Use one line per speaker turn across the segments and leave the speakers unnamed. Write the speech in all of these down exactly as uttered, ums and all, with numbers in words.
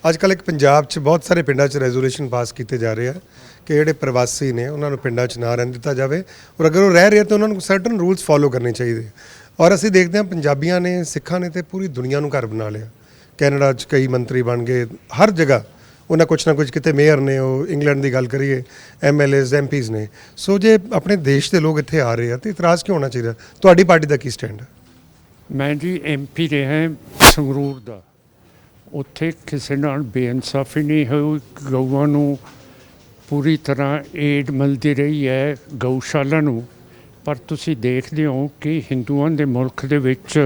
ਅੱਜ ਕੱਲ੍ਹ ਇੱਕ ਪੰਜਾਬ 'ਚ ਬਹੁਤ ਸਾਰੇ ਪਿੰਡਾਂ 'ਚ ਰੈਜ਼ੋਲੂਸ਼ਨ ਪਾਸ ਕੀਤੇ ਜਾ ਰਹੇ ਆ ਕਿ ਜਿਹੜੇ ਪ੍ਰਵਾਸੀ ਨੇ ਉਹਨਾਂ ਨੂੰ ਪਿੰਡਾਂ 'ਚ ਨਾ ਰਹਿਣ ਦਿੱਤਾ ਜਾਵੇ ਔਰ ਅਗਰ ਉਹ ਰਹਿ ਰਹੇ ਤਾਂ ਉਹਨਾਂ ਨੂੰ ਸਰਟਨ ਰੂਲਸ ਫੋਲੋ ਕਰਨੇ ਚਾਹੀਦੇ। ਔਰ ਅਸੀਂ ਦੇਖਦੇ ਹਾਂ ਪੰਜਾਬੀਆਂ ਨੇ ਸਿੱਖਾਂ ਨੇ ਤੇ ਪੂਰੀ ਦੁਨੀਆ ਨੂੰ ਘਰ ਬਣਾ ਲਿਆ। ਕੈਨੇਡਾ 'ਚ ਕਈ ਮੰਤਰੀ ਬਣ ਗਏ, ਹਰ ਜਗ੍ਹਾ ਉਹਨਾਂ ਕੁਛ ਨਾ ਕੁਛ, ਕਿਤੇ ਮੇਅਰ ਨੇ, ਉਹ ਇੰਗਲੈਂਡ ਦੀ ਗੱਲ ਕਰੀਏ M L A's M P's ਨੇ। ਸੋ ਜੇ ਆਪਣੇ ਦੇਸ਼ ਦੇ ਲੋਕ ਇੱਥੇ ਆ ਰਹੇ ਆ ਤਾਂ ਇਤਰਾਜ਼ ਕਿਉਂ ਹੋਣਾ ਚਾਹੀਦਾ? ਤੁਹਾਡੀ ਪਾਰਟੀ ਦਾ ਕੀ ਸਟੈਂਡ ਹੈ?
ਮੈਂ ਜੀ ਐਮ ਪੀ ਰਿਹਾ ਸੰਗਰੂਰ ਦਾ। ਉੱਥੇ ਕਿਸੇ ਨਾਲ ਬੇਇਨਸਾਫੀ ਨਹੀਂ ਹੋਈ। ਗਊਆਂ ਨੂੰ ਪੂਰੀ ਤਰ੍ਹਾਂ ਏਡ ਮਿਲਦੀ ਰਹੀ ਹੈ, ਗਊਸ਼ਾਲਾ ਨੂੰ। ਪਰ ਤੁਸੀਂ ਦੇਖਦੇ ਹੋ ਕਿ ਹਿੰਦੂਆਂ ਦੇ ਮੁਲਕ ਦੇ ਵਿੱਚ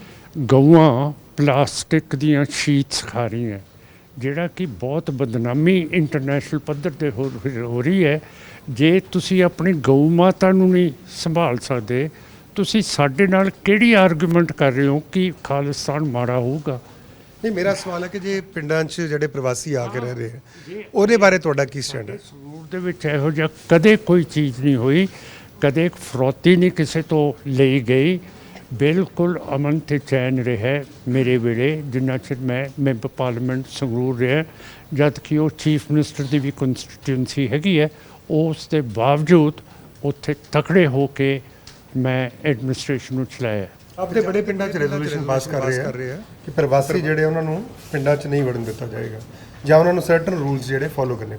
ਗਊਆਂ ਪਲਾਸਟਿਕ ਦੀਆਂ ਸ਼ੀਟਸ ਖਾ ਰਹੀਆਂ, ਜਿਹੜਾ ਕਿ ਬਹੁਤ ਬਦਨਾਮੀ ਇੰਟਰਨੈਸ਼ਨਲ ਪੱਧਰ 'ਤੇ ਹੋ ਹੋ ਰਹੀ ਹੈ। ਜੇ ਤੁਸੀਂ ਆਪਣੀ ਗਊ ਮਾਤਾ ਨੂੰ ਨਹੀਂ ਸੰਭਾਲ ਸਕਦੇ, ਤੁਸੀਂ ਸਾਡੇ ਨਾਲ ਕਿਹੜੀ ਆਰਗੂਮੈਂਟ ਕਰ ਰਹੇ ਹੋ ਕਿ ਖਾਲਿਸਤਾਨ ਮਾੜਾ ਹੋਊਗਾ?
ਨਹੀਂ, ਮੇਰਾ ਸਵਾਲ ਹੈ ਕਿ ਜੇ ਪਿੰਡਾਂ 'ਚ ਜਿਹੜੇ ਪ੍ਰਵਾਸੀ ਆ ਕੇ ਰਹਿ ਰਹੇ ਆ ਉਹਦੇ ਬਾਰੇ ਤੁਹਾਡਾ ਕੀ ਸਟੈਂਡ ਹੈ?
ਸੰਗਰੂਰ ਦੇ ਵਿੱਚ ਇਹੋ ਜਿਹਾ ਕਦੇ ਕੋਈ ਚੀਜ਼ ਨਹੀਂ ਹੋਈ, ਕਦੇ ਫਰੌਤੀ ਨਹੀਂ ਕਿਸੇ ਤੋਂ ਲਈ ਗਈ। ਬਿਲਕੁਲ ਅਮਨ ਤੇ ਚੈਨ ਰਿਹਾ ਮੇਰੇ ਵੇਲੇ, ਜਿੰਨਾ ਚਿਰ ਮੈਂ ਮੈਂਬਰ ਪਾਰਲੀਮੈਂਟ ਸੰਗਰੂਰ ਰਿਹਾ, ਜਦ ਕਿ ਉਹ ਚੀਫ ਮਿਨਿਸਟਰ ਦੀ ਵੀ ਕੰਸਟੀਟਿਊਂਸੀ ਹੈਗੀ ਹੈ। ਉਸ ਦੇ ਬਾਵਜੂਦ ਉੱਥੇ ਤਕੜੇ ਹੋ ਕੇ ਮੈਂ ਐਡਮਿਨਿਸਟ੍ਰੇਸ਼ਨ ਨੂੰ ਚਲਾਇਆ।
ਆਪਣੇ ਬੜੇ ਪਿੰਡਾਂ 'ਚ ਰੈਜ਼ੋਲੂਸ਼ਨ ਪਾਸ ਕਰ ਰਹੇ ਆ ਕਿ ਪ੍ਰਵਾਸੀ ਜਿਹੜੇ ਉਹਨਾਂ ਨੂੰ ਪਿੰਡਾਂ 'ਚ ਨਹੀਂ ਵੜਨ ਦਿੱਤਾ ਜਾਏਗਾ ਜਾਂ ਉਹਨਾਂ ਨੂੰ ਸਰਟਨ ਰੂਲਸ ਜਿਹੜੇ ਫੋਲੋ ਕਰਨੇ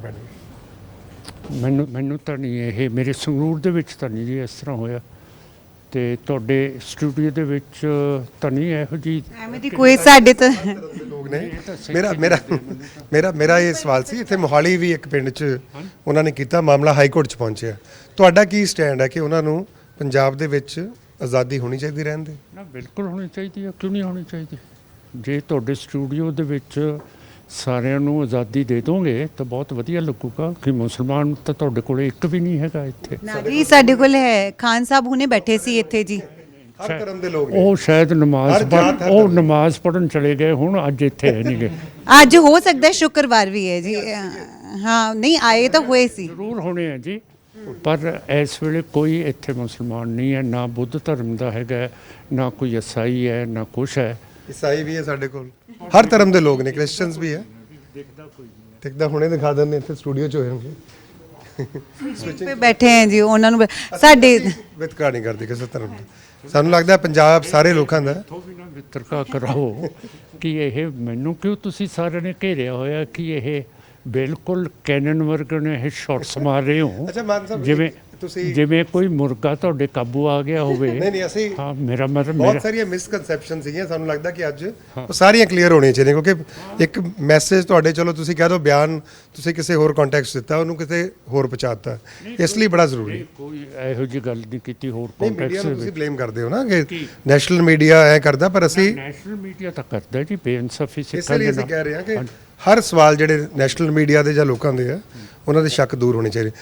ਪੈਣਗੇ।
ਮੈਨੂੰ ਮੈਨੂੰ ਤਾਂ ਨਹੀਂ, ਇਹ ਮੇਰੇ ਸੰਗਰੂਰ ਦੇ ਵਿੱਚ ਤਾਂ ਨਹੀਂ ਜੀ ਇਸ ਤਰ੍ਹਾਂ ਹੋਇਆ, ਤੇ ਤੁਹਾਡੇ ਸਟੂਡੀਓ ਦੇ ਵਿੱਚ ਤਾਂ ਨਹੀਂ ਇਹੋ ਜਿਹੀ
ਐਵੇਂ ਦੀ ਕੋਈ ਸਾਡੇ ਤਾਂ
ਲੋਕ ਨੇ। ਮੇਰਾ ਮੇਰਾ ਮੇਰਾ ਮੇਰਾ ਇਹ ਸਵਾਲ ਸੀ, ਇੱਥੇ ਮੋਹਾਲੀ ਵੀ ਇੱਕ ਪਿੰਡ 'ਚ ਉਹਨਾਂ ਨੇ ਕੀਤਾ, ਮਾਮਲਾ ਹਾਈ ਕੋਰਟ 'ਚ ਪਹੁੰਚਿਆ। ਤੁਹਾਡਾ ਕੀ ਸਟੈਂਡ ਹੈ ਕਿ ਉਹਨਾਂ ਨੂੰ ਪੰਜਾਬ ਦੇ ਵਿੱਚ ਆਜ਼ਾਦੀ ਹੋਣੀ ਚਾਹੀਦੀ ਰਹਿਣ ਦੀ?
ਨਾ, ਬਿਲਕੁਲ ਹੋਣੀ ਚਾਹੀਦੀ ਹੈ। ਕਿਉਂ ਨਹੀਂ ਹੋਣੀ ਚਾਹੀਦੀ? ਜੇ ਤੁਹਾਡੇ ਸਟੂਡੀਓ ਦੇ ਵਿੱਚ ਸਾਰਿਆਂ ਨੂੰ ਆਜ਼ਾਦੀ ਦੇ ਦੋਗੇ ਤਾਂ ਬਹੁਤ ਵਧੀਆ ਲੱਗੂਗਾ। ਕਿ ਮੁਸਲਮਾਨ ਤਾਂ ਤੁਹਾਡੇ ਕੋਲ ਇੱਕ ਵੀ ਨਹੀਂ ਹੈਗਾ ਇੱਥੇ।
ਨਾ ਜੀ, ਸਾਡੇ ਕੋਲ ਹੈ। ਖਾਨ ਸਾਹਿਬ ਹੁਣੇ ਬੈਠੇ ਸੀ ਇੱਥੇ ਜੀ।
ਹਰ ਧਰਮ ਦੇ ਲੋਕ ਨੇ।
ਉਹ ਸ਼ਾਇਦ ਨਮਾਜ਼
ਹਰ ਜਾਤ, ਹਰ
ਉਹ
ਧਰਮ।
ਨਮਾਜ਼ ਪੜ੍ਹਨ ਚਲੇ ਗਏ, ਹੁਣ ਅੱਜ ਇੱਥੇ ਹੈ ਨਹੀਂ ਗਏ।
ਅੱਜ ਹੋ ਸਕਦਾ ਹੈ ਸ਼ੁੱਕਰਵਾਰ ਵੀ ਹੈ ਜੀ। ਹਾਂ, ਨਹੀਂ ਆਏ ਤਾਂ ਹੋਏ ਸੀ।
ਜ਼ਰੂਰ ਹੋਣੇ ਆ ਜੀ, ਪਰ ਇਸ ਵੇਲੇ ਕੋਈ ਇੱਥੇ ਮੁਸਲਮਾਨ ਨਹੀਂ ਹੈ, ਨਾ ਬੁੱਧ ਧਰਮ ਦਾ ਹੈਗਾ, ਨਾ ਕੋਈ ਈਸਾਈ ਹੈ, ਨਾ ਕੁਛ ਹੈ।
ਈਸਾਈ ਵੀ ਹੈ ਸਾਡੇ ਕੋਲ, ਹਰ ਧਰਮ ਦੇ ਲੋਕ ਨੇ, ਕ੍ਰਿਸਚੀਅਨਸ ਵੀ ਹੈ। ਦਿਖਦਾ ਹੁਣੇ ਦਿਖਾ ਦਿੰਦੇ, ਇੱਥੇ ਸਟੂਡੀਓ 'ਚ ਹੋਣਗੇ
ਤੇ ਬੈਠੇ ਹੈ ਜੀ। ਉਹਨਾਂ ਨੂੰ ਸਾਡੇ
ਵਿਤਕਰਾ ਨਹੀਂ ਕਰਦੇ ਕਿਸੇ ਧਰਮ ਦਾ। ਸਾਨੂੰ ਲੱਗਦਾ ਪੰਜਾਬ ਸਾਰੇ ਲੋਕਾਂ ਦਾ।
ਇੱਥੋਂ ਵੀ ਨਾ ਵਿਤਰਕਾ ਕਰਾਓ ਕਿ ਇਹ ਮੈਨੂੰ ਕਿਉਂ ਤੁਸੀਂ ਸਾਰਿਆਂ ਨੇ ਘੇਰਿਆ ਹੋਇਆ ਕਿ ਇਹ ਬਿਲਕੁਲ ਕੈਨਨ ਵਰਗੇ ਨੇ ਇਹ ਸ਼ਾਟਸ ਮਾਰ ਰਹੇ ਹੋ,
ਅੱਛਾ ਮਾਨ ਸਾਹਿਬ,
ਜਿਵੇਂ
ਤੁਸੀਂ
ਜਿਵੇਂ ਕੋਈ ਮੁਰਗਾ ਤੁਹਾਡੇ ਕਾਬੂ ਆ ਗਿਆ ਹੋਵੇ।
ਨਹੀਂ ਨਹੀਂ, ਅਸੀਂ
ਹਾਂ, ਮੇਰਾ ਮਤਲਬ
ਬਹੁਤ
ਮੇਰਾ
ਸਾਰੀਆਂ ਮਿਸਕਨਸੈਪਸ਼ਨ ਸੀਗੀਆਂ। ਸਾਨੂੰ ਲੱਗਦਾ ਕਿ ਅੱਜ ਉਹ ਸਾਰੀਆਂ ਕਲੀਅਰ ਹੋਣੀਆਂ ਚਾਹੀਦੀਆਂ, ਕਿਉਂਕਿ ਇੱਕ ਮੈਸੇਜ ਤੁਹਾਡੇ, ਚਲੋ ਤੁਸੀਂ ਕਹਿ ਦਿਓ ਬਿਆਨ ਤੁਸੀਂ ਕਿਸੇ ਹੋਰ ਕੰਟੈਕਸਟ ਦਿੱਤਾ, ਉਹਨੂੰ ਕਿਤੇ ਹੋਰ ਪਹੁੰਚਾਤਾ, ਇਸ ਲਈ ਬੜਾ ਜ਼ਰੂਰੀ।
ਕੋਈ ਇਹੋ ਜਿਹੀ ਗੱਲ ਨਹੀਂ ਕੀਤੀ ਹੋਰ
ਨਹੀਂ, ਮੀਡੀਆ
ਕੰਟੈਕਸਟ
ਨੂੰ
ਦੇ
ਤੁਸੀਂ
ਵਿੱਚ।
ਬਲੇਮ ਕਰਦੇ ਹੋ ਨਾ ਕਿ ਨੈਸ਼ਨਲ ਮੀਡੀਆ ਐ ਕਰਦਾ, ਪਰ ਅਸੀਂ
ਨੈਸ਼ਨਲ ਮੀਡੀਆ ਤਾਂ ਕਰਦਾ ਜੀ ਬੇਇਨਸਾਫੀ
ਇਸ
ਸਿੱਖਾਂ
ਲਈ
ਦੇ
ਅਸੀਂ
ਨਾਲ।
ਕਹਿ ਰਹੇ ਹਾਂ ਕਿ ਹਰ ਸਵਾਲ ਜਿਹੜੇ ਨੈਸ਼ਨਲ ਮੀਡੀਆ ਦੇ ਜਾਂ ਲੋਕਾਂ ਦੇ ਆ, ਉਹਨਾਂ ਦੇ ਸ਼ੱਕ ਦੂਰ ਹੋਣੇ ਚਾਹੀਦੇ।